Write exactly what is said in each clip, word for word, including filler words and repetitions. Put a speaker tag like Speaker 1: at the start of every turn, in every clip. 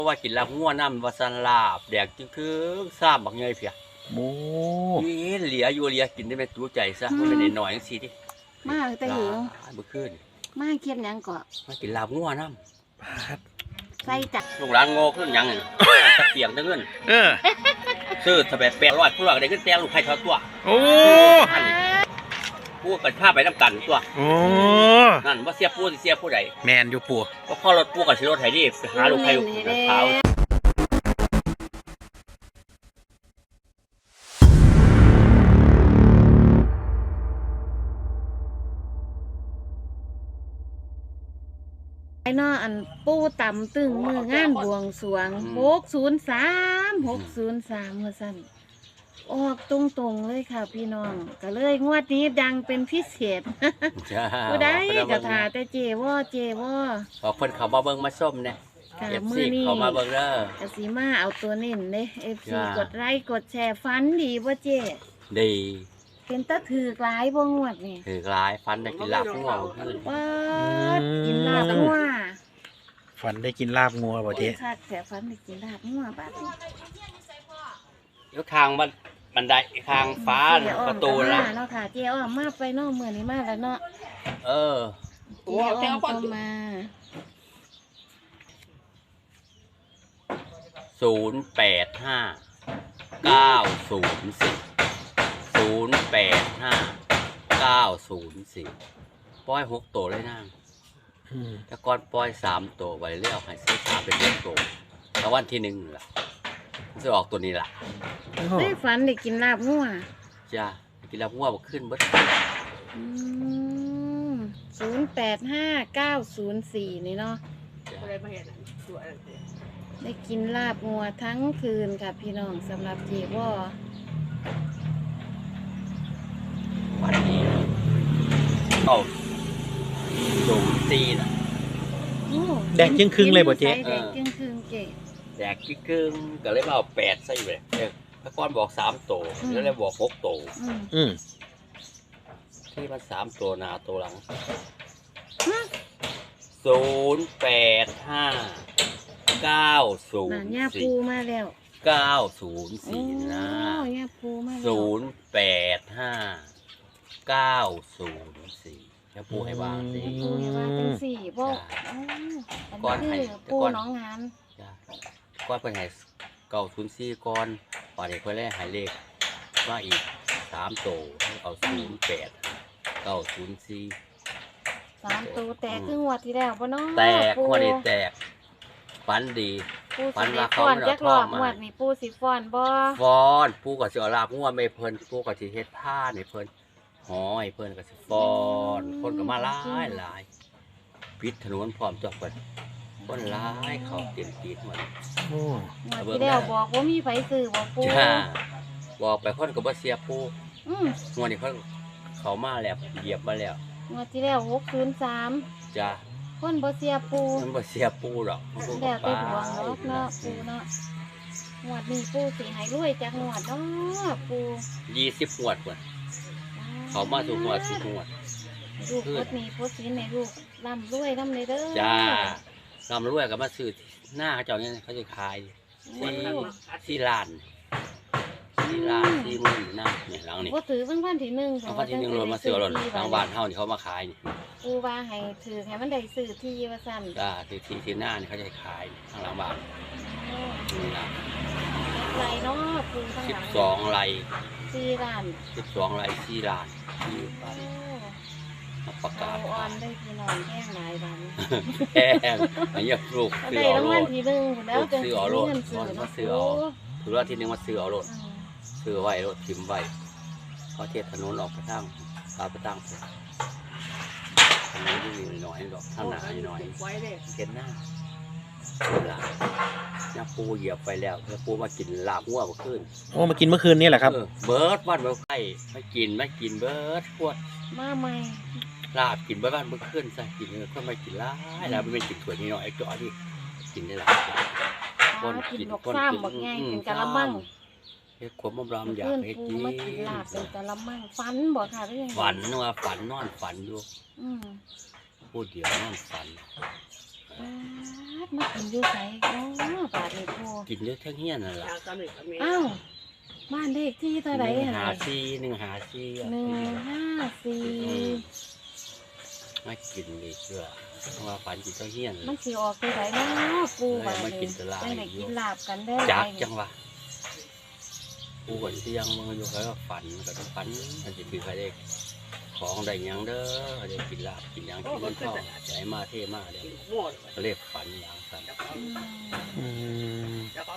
Speaker 1: ราะว่ากินลาบงัวน้ำวาซันลาบแดกจึงคือซ้ำบักเงยเพีย
Speaker 2: โอ้
Speaker 1: นี่เหลียอยู่เหลียกินได้เป็นตัวใจซะมันเป็นหน่อยจังซี่ดิ
Speaker 3: มากแต่หิว
Speaker 1: เมื่อคืน
Speaker 3: มาเคียบยังก็
Speaker 1: มากินลาบงัวน้
Speaker 3: ำใส่จัด
Speaker 1: ลูกหลานโง่ขึ้นยังตะเกียงตะเงิน
Speaker 2: เออ
Speaker 1: ซื้อทะเบียนแปดร้อยผู้หลักได้ขึ้นแต่ลูกใครเขาตัว
Speaker 2: โอ้
Speaker 1: ผู้กันข้าไปน้ำกันตัว
Speaker 2: โอ้
Speaker 1: นั่นว่าเสียผู้เสียผู้ใด
Speaker 2: แมนอยู่ปู่
Speaker 1: ก็พ่อรถผู้กับชิรถไถดิหาลูกใครลูกเขา
Speaker 3: ไอ้นออันปูต่ำตึงมืองานบวงสรวงหกศูนย์สามหกศูนย์สามเมื่อสั้นออกตรงๆเลยค่ะพี่น้องก็เลยงวดนี้ดังเป็นพิเศษผู้ใดกระถาแต่เจว่าเจว่า
Speaker 1: พอคนเขามาเบิ้งมาส้มเนี่ยเอฟซีเขามาเบิ้งเด้อก
Speaker 3: สีมาเอาตัวเน้นเลยเอฟซีกดไลค์กดแชร์ฟันดีว่าเจ
Speaker 1: ดี
Speaker 3: เป็นตะถือกหลายบ่งวดนี่
Speaker 1: ถือกหลายฟันได้กินลาบงัว
Speaker 3: ว้ากินลาบงัว
Speaker 2: ฟันได้กินลาบงัวบ่เจ๊
Speaker 3: ค่ะแต่ฟันได้กินลาบงัวบาดนี้
Speaker 1: ยกทางบันบันไดทางฟ้าประตูละ
Speaker 3: เนาะค่ะเจ้าอ้อมมาไปเนาะมื้อนี้มาแล้วเนาะ
Speaker 1: เออ
Speaker 3: เจ้าอ้อมก็มา
Speaker 1: ศูนย์แปดห้าเก้าศูนย์สี่ศูนย์แปดห้าเก้าศูนย์สี่ปล่อยหกตัวเลยนั่งแต่ก่อนปล่อยสามตัวไว้เรียกให้ซื้อสามเป็นหกตัวแล้ววันที่หนึ่งล่ะจะออกตัวนี้ล่ะ
Speaker 3: ได้ฝันได้กินลาบงัว
Speaker 1: จ้ากินลาบงัวขึ้นเบิด
Speaker 3: ศูนย์แปดห้าเก้าศูนย์สี่นี่เนาะได้กินลาบงัวทั้งคืนค่ะพี่น้องสำหรับเจว่า
Speaker 1: วันนี้เอาสูงตีนะ
Speaker 2: แดกจึงครึ่งเลยบ่เจ๊
Speaker 3: แดกจึงครึ่งเจ๊
Speaker 1: แดกจึงครึ่งก็เลยมาเอาแปดใส่เลยพระก้อนบอกสามโตแล้วเลยบอกหกโตที่มันสามตัวหน้าตัวหลังศูนย์แปดห้าเก้าศูนย์สี่
Speaker 3: มาแล้ว
Speaker 1: เก้าศูนย์สี่นะศูนย์แปดห้าเก้าศูนย์สี่แล้วปูให้วางสี่
Speaker 3: ปูให้วางเป็นสี่พวกก้อนให้ปูน้องงาน
Speaker 1: ก้อนเป็นไงเก้าศูนย์สี่ก้อนปอดเด็กคนแรกหายเลขว่าอีกสามโตเอาศูนย์แปดเก้าศูนย์สี่
Speaker 3: สามตัวแตกครึ่งวัดที่แล้วปะเนาะ
Speaker 1: แตกหัวนี่แตกฟันดี
Speaker 3: ฟันว่าเขาไม่ทอดมามีปูสีฟอนบ่
Speaker 1: ฟอนปูกับเสือลาบงัวไม่เพลินปูกับสีเฮ็ดผ้าในเพลินหอยเพลินกับสีฟอนคนก็มาหลายหลายปิดถนนพร้อมจอดคนคนหลายเขาเต็มตีนหมด
Speaker 3: โอ้ที่แล้วบอกว่ามีไฟซื้อบอกปู
Speaker 1: บอกไปคนกับว่าเสียปูงัวนี่เขาเขามาแล้วเหยียบมาแล้ว
Speaker 3: งวดที่แล้วหกศูนย์สาม
Speaker 1: จ้า
Speaker 3: คนบ่เสียปู
Speaker 1: มันบ่เสียปูหรอก
Speaker 3: แล้วแต่ดวงเนาะเนาะปูเนาะงวดนี้ปูสิให้รวยจากงวดเนาะปู
Speaker 1: ยี่สิบงวดก่อนเขามาสู่งวดสู่งวด
Speaker 3: ลูกพดมีพดสินในลูกร่ำรวยร่ำเลยเด้อ
Speaker 1: จ้าร่ำรวยกับมาซื้อหน้าเขาเจ้าเนี่ยเขาจะขายที่ที่ร้านที่ร้านที่มือหน้าเนี่ยหลังนี่
Speaker 3: ก็ถือวันวันที่หนึ่ง
Speaker 1: วันที่หนึ่งรถมาซื้อรถทางบ้านเฮานี่เขามาขายนี่
Speaker 3: ปูว่าให้ถือให้มันได้ซื้อที่ว่าสั้น
Speaker 1: จ้าที่ที่ที่หน้านี่เขาจะขายทางหลังบ้านนี่นะ
Speaker 3: ไรเนาะปูทางหลัง
Speaker 1: สิบสองไร
Speaker 3: สี่ล้าน
Speaker 1: สิบสองไรสี่ล้านที่บ้านประกาศ
Speaker 3: อ่อนได้พี่น้องแห้งหลายบ้าน
Speaker 1: แห้งไอ้ยักษ์ลูก
Speaker 3: ซื้อเอาโลดแล้วจะ
Speaker 1: ซื้อเอาโลดมาซื้อเอาถือว่าที่หนึ่งมาซื้อเอาโลดซื้อไว้รถทิมไว้เขาเทถนนออกไปทางตาไปตั้งถนนที่มีหน่อยดอกข้างหน้าหน่อยเห็นหน้าหลาน้าปูเหยียบไปแล้วน้าปูมากินลาบหัวเมื่อคืน
Speaker 2: โอ้มากินเมื่อคืนนี่แหละครับ
Speaker 1: เบิร์ดบ้านเมื่อไก่มากินมากินเบิร์ดขวด
Speaker 3: มาใหม่
Speaker 1: ลาบกินบ้านเมื่อคืนใส่กินเลยก็ไม่กินล้าแล้วไม่กินถั่วนี่หน่อยไอ้จ่อที่กินได้หลาย
Speaker 3: คนกินคนกินหมดไงกินกะละมัง
Speaker 1: เฮ็ดขมบำอยากเฮ็ดกิน
Speaker 3: ลาบเป็นกะละมังฝันบ่ค่ะหรือยัง
Speaker 1: ฝันว่าฝันนอนฝันอยู่พูดเดียวนอนฝัน
Speaker 3: มากินอยู่ไสโอ้บาดนี้ปู
Speaker 1: กินเยอะทั้งเฮียนนั่นล่ะ
Speaker 3: อ้าวบ้านเลขที่เท่าไหร่
Speaker 1: หนึ่ง
Speaker 3: หา
Speaker 1: หาซีหนึ่งหาซี
Speaker 3: หนึ่งห้าสี่
Speaker 1: มากินนี่เชื่อเพราะว่าฝันกินทั้งเฮียน
Speaker 3: มันสิออกตัวไหนเนาะปูบาด
Speaker 1: มา
Speaker 3: นี้
Speaker 1: กินตลาด
Speaker 3: ได้กินลาบกันได้
Speaker 1: จักจังวะกูก่อนที่ยังมึงอยู่แล้วฝันก็ต้องฝันมันจะคือใครได้ของได้ยังเด้อได้กินลาบกินยังกินเงินทองใจมาเท่มาเด้อเรียกฝันอย่างสั่น
Speaker 3: อืม
Speaker 2: อืม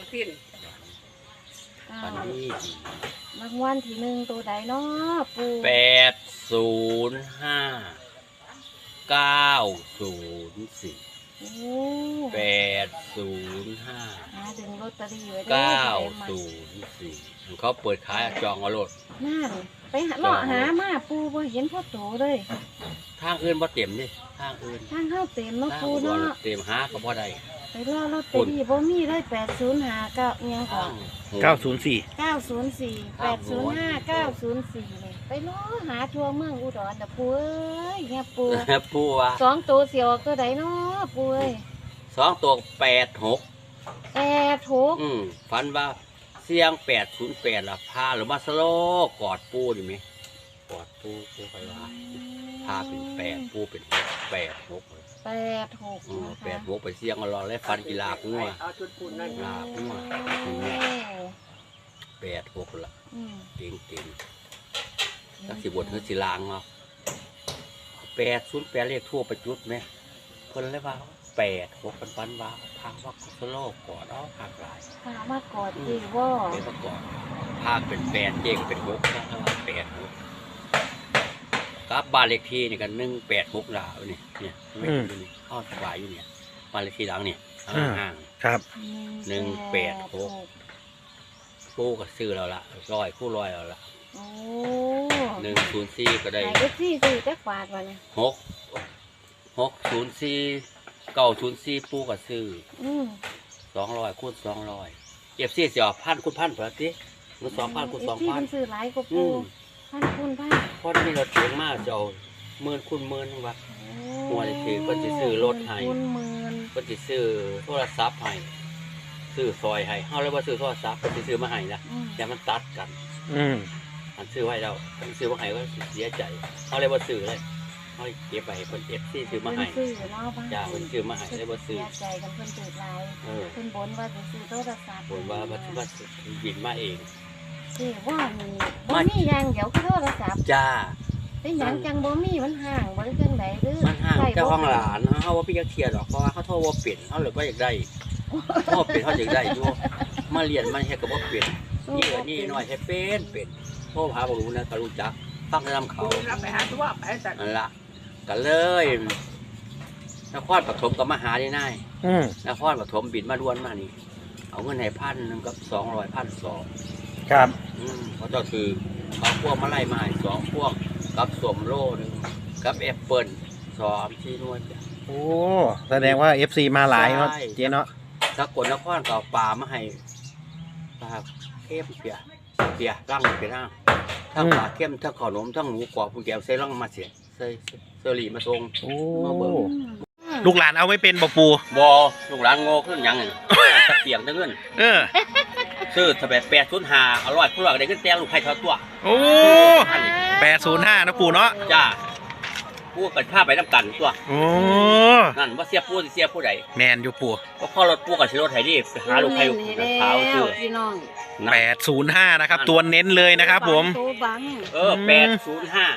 Speaker 1: ฝันนี่
Speaker 3: รางวัลที่หนึ่งตัวใดเนาะปู
Speaker 1: แปดศูนย์ห้าเก้าศูนย์สี่
Speaker 3: โอ้
Speaker 1: แปดศูนย์ห้า
Speaker 3: หาดึงลอตเตอรี่ไว้ได้
Speaker 1: เก้า
Speaker 3: มา
Speaker 1: ศูนย์สี่เขาเปิดขายจองเอารถ
Speaker 3: นั่นไปหาเลาะหามาปูบ่เห็นพ่อโตเลย
Speaker 1: ทางอื่นบ่เต็มดิทางอื่น
Speaker 3: ทางเข้าเต็มเนาะ
Speaker 1: ทาง
Speaker 3: ปู
Speaker 1: บ่
Speaker 3: เนาะ
Speaker 1: เต็มหาก็บ่ได้
Speaker 3: ไปรอลอตเตอรี่บ่มีเลยแปดศูนย์ห้าเก้าอิหยังก่อ
Speaker 1: ทาน ง
Speaker 2: เก้าศูนย์สี่
Speaker 3: เก้าศูนย์สี่แปดศูนย์ห้าเก้าศูนย์สี่เลยไปรอหาทั่วเมืองอุดรน่ะปูเอ้ยเนี่ยปู
Speaker 1: ปูว่า
Speaker 3: สองตัวเสียวตัวใดเนาะปูเอ้ย
Speaker 1: สองตัวแปดหก
Speaker 3: แปดหก
Speaker 1: อืมฝันว่าเสียงแปดศูนย์แปดล่ะพาหรือมาสโลกอดปูดิไหมกอดปูปูไปว่าพาเป็นแปดปูเป็นหกแปดหก
Speaker 3: แปดหก
Speaker 1: อืม
Speaker 3: นะคะ
Speaker 1: แปดหกไปเสียงเอารอแล้วฟันกีฬาบงัว
Speaker 4: เอาชุดปุ่นนั่น
Speaker 1: ลาบงัว
Speaker 3: โอ้
Speaker 1: แปดหกละ
Speaker 3: อืม
Speaker 1: เก่งเก่งสักสิบทนึกสิลางเนาะแปดศูนย์แปดเรียกทั่วประจุดไหมเพิ่นเลยว่าแปดหกปันปันว่าพาว่าสโลกกอดเอาพากหลาย
Speaker 3: พามากอดจีว่า
Speaker 1: เป็นประกอบภาคเป็นแปดเจงเป็นหกนะครับแปดหกกับบ้านเลขที่นี่กันหนึ่งแปดหกลาวนี่เนี่ยไม่อยู่นี่อ้อสบายอยู่เนี่ยบ้านเลขที่หลังเนี่ยห่าง
Speaker 2: ครับ
Speaker 1: หนึ่งแปดหก ๆคู่ก็ซื้อเราละร้อยคู่ร้อยเราละ
Speaker 3: โอ้
Speaker 1: หนึ่งศูนย์สี่ก็ได้
Speaker 3: ไหนก็ซี่ซื้อจักบาทวะเนี่ย
Speaker 1: หกหกศูนย์สี่เก้าศูนย์สี่ปูก็ซื้อ
Speaker 3: อืม
Speaker 1: สองร้อยคูณสองร้อยเก็บซี่เสียพันคูณพันเผื่อสิมันสองพันคูณสอง
Speaker 3: ที่
Speaker 1: พัน
Speaker 3: มันซื้อหลายกว่า
Speaker 1: อื
Speaker 3: ปู
Speaker 1: ม
Speaker 3: พันคุณพัน
Speaker 1: เพราะนี่เราเถียงมากจะเอาหมื่นคูณหมื่นว่า หัวนี่คือเพิ่นสิซื้อรถให้
Speaker 3: คุณหมื่น
Speaker 1: เพิ่นสิซื้อโทรศัพท์ให้ซื้อซอยให้เฮาเลยว่าซื้อโทรศัพท์เพิ่นสิซื้อมาให้นะ
Speaker 3: อืม
Speaker 1: แต่มันตัดกัน
Speaker 2: อืม
Speaker 1: อันซื้อไว้แล้วเพิ่นซื้อมาให้ก็สิเสียใจเฮาเลยบ่ซื้อเลยเฮาเก็บไว้ให้เพิ่น เอฟ ซี ซื้อมาให้
Speaker 3: เพิ่นซื้อเนาะบ้าน
Speaker 1: จ้าเพิ่นซื้อมาให้เลยบ่ซื้อ
Speaker 3: เสียใจกันเพิ่นถือหลาย
Speaker 1: เออ
Speaker 3: เพิ่นบนว่าจะซื้อโทรศัพท์
Speaker 1: บ่นว่าบ่สิว่าบินมาเอง
Speaker 3: สิว่ามีบ่มีอย่างเดี๋ยวคือโทรศัพท์
Speaker 1: จ้า
Speaker 3: เป็นหยังจังบ่มีมันห่างบ่ได้จังไดหรือ
Speaker 1: มันห่าง
Speaker 3: ใส่บ่
Speaker 1: เจ้าของหลานเฮาว่าพี่จักเที่ยดอกเพราะว่าเฮาโทรบ่เป็นเฮาเลยบ่อยากได้เฮาเป็นเฮาอยากได้อยู่มาเรียนมันเฮ็ดก็บ่เป็น นี่ก็นี่น้อยให้เป็นเป็นโทรหาบ่รู้นะก็รู้จักฟังแต่นำเขา
Speaker 4: ปุ่นรับไปหาตัวไปแต่
Speaker 1: นั่นละก็เลยนครปฐมกับมหาได้นาย
Speaker 2: อืม
Speaker 1: นครปฐมบินมาด่วนมานี่ เอาเงินให้พันหนึงกับสองร้อยพันสอง
Speaker 2: ครับ
Speaker 1: อืมเขาเจ้าคือเขาพวกมาไล่มาให้สองพวกกับสมโลหนึงกับแอปเปิลสองที่นวดจ้ะ
Speaker 2: โอ้แสดงว่า เอฟ ซี มาหลายเนาะ
Speaker 1: ใช่
Speaker 2: เจ๊เนาะ
Speaker 1: ถ้ากดนครก็เอาปลามาให้ปลาเข้มเปียเปียร่างเปียร่างทั้งปลาเข้มทั้งขนมทั้งหมูกรอบผู้แก้วใส่ร่างมาเสียใส่เซอรี่มาทรง
Speaker 2: โอ้
Speaker 1: มาเบิ่ง
Speaker 3: อืม
Speaker 2: ลูกหลานเอาไม่เป็นบ่ปู
Speaker 1: บอลูกหลานโง่ขึ้นยังไงตะเปียงได้เงิน
Speaker 2: เออ
Speaker 1: ซื้อทะเบียนแปดศูนย์ห้าอร่อยผู้หลักได้ขึ้นแตงลูกไข่ทอดตัว
Speaker 2: โอ้แปดศูนย์ห้านะปูเนาะ
Speaker 1: จ้าผู้กันข้าไปน้ำกันตัว
Speaker 2: โอ้
Speaker 1: นั่นว่าเสียผู้สิเสียผู้ใด
Speaker 2: แมนอยู่ปู
Speaker 1: ก็พ่อรถผู้กับชิรถไถดิไปหาลูกไข่ลูกเท้าซื้อ
Speaker 3: พี่น้อง
Speaker 2: แปดศูนย์ห้านะครับ ตัวเน้นเลยนะครับผม
Speaker 3: ตัวบัง
Speaker 1: เออแปดศูนย์ห้า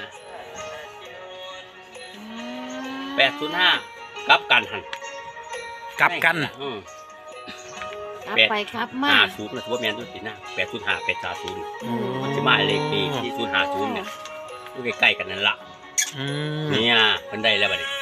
Speaker 1: แปดศูนย์ห้ากลับกันหัน
Speaker 2: กลับกัน
Speaker 1: อืม
Speaker 3: กลับไปครับมา
Speaker 1: ห้าศูนย์นะถือว่าแมนตัวสินะแปดศูนย์ห้าแปดสามศูนย์
Speaker 2: อืม
Speaker 1: มันจะมาเลขปีที่ศูนย์ห้าศูนย์เนี่ยอยู่ใกล้ๆกันนั่นละ
Speaker 2: อืม
Speaker 1: เนี่ยมันได้แล้วบัดนี้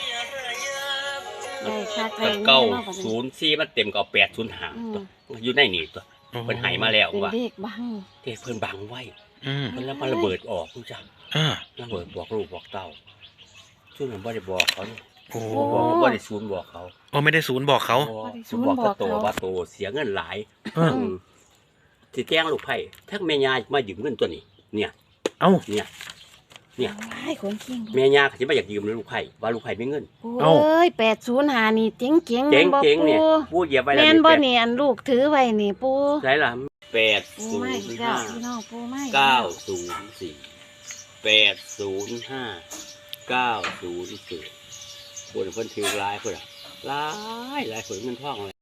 Speaker 3: ได้ค่ะ
Speaker 1: ถ้าเก้าศูนย์สี่มันเต็มก็แปดศูนย์ห้าตัวอยู่ในนี่ตัวเพิ่นใหายมาแล้ว
Speaker 3: เป็น
Speaker 1: ว่า
Speaker 3: เลขบัง
Speaker 1: เทเพิ่นบังไว้
Speaker 2: อืม
Speaker 1: เพิ่นแล้วมันระเบิดออกคุณจัง
Speaker 2: อ่า
Speaker 1: ระเบิดบอกลูกบอกเต้าซึ่งผมบ่ได้บอกเขานี่
Speaker 2: โอ้
Speaker 1: บอกว่าบ่ได้ศูนย์บอกเขา
Speaker 2: โอ้ไม่ได้ศูนย์บอกเขา
Speaker 1: ศูนย์บอกเขาโตว่าโตเสียเงินหลาย
Speaker 2: เออ
Speaker 1: อืมสิแกล้งลูกไผ่ทั้งแม่ยายมายืมเงินตัวนี้ เนี่ย
Speaker 2: เอ้า
Speaker 1: เนี่ยเนี่ย
Speaker 3: ไอ้คนขิง
Speaker 1: แม่ย่าเขาจะไม่อยากยืมเลยลูกไผ่ว่าลูกไผ่ไม่เงิน
Speaker 3: ปูเอ้ยแปดศูนย์หานี่เจ๋งเจ๋ง
Speaker 1: เจ๊ง
Speaker 3: บ่
Speaker 1: เจ๊ง
Speaker 3: ปู
Speaker 1: เนี่ยพูดเหยียบไว้แล้ว
Speaker 3: แม่นบ่
Speaker 1: แปด
Speaker 3: นี่อันลูกถือไว้นี่ปู
Speaker 1: ใช่ล่ะแปด
Speaker 3: ปู
Speaker 1: ศูน
Speaker 3: ไม่
Speaker 1: ย์
Speaker 3: เจ้า
Speaker 1: ห้า
Speaker 3: พี่น้องปูไม่
Speaker 1: เก้าศูนย์สี่แปดศูนย์ห้าเก้าศูนย์สี่คนเพิ่นถือหลายคนอะหลายหลายคนเงินทองเลย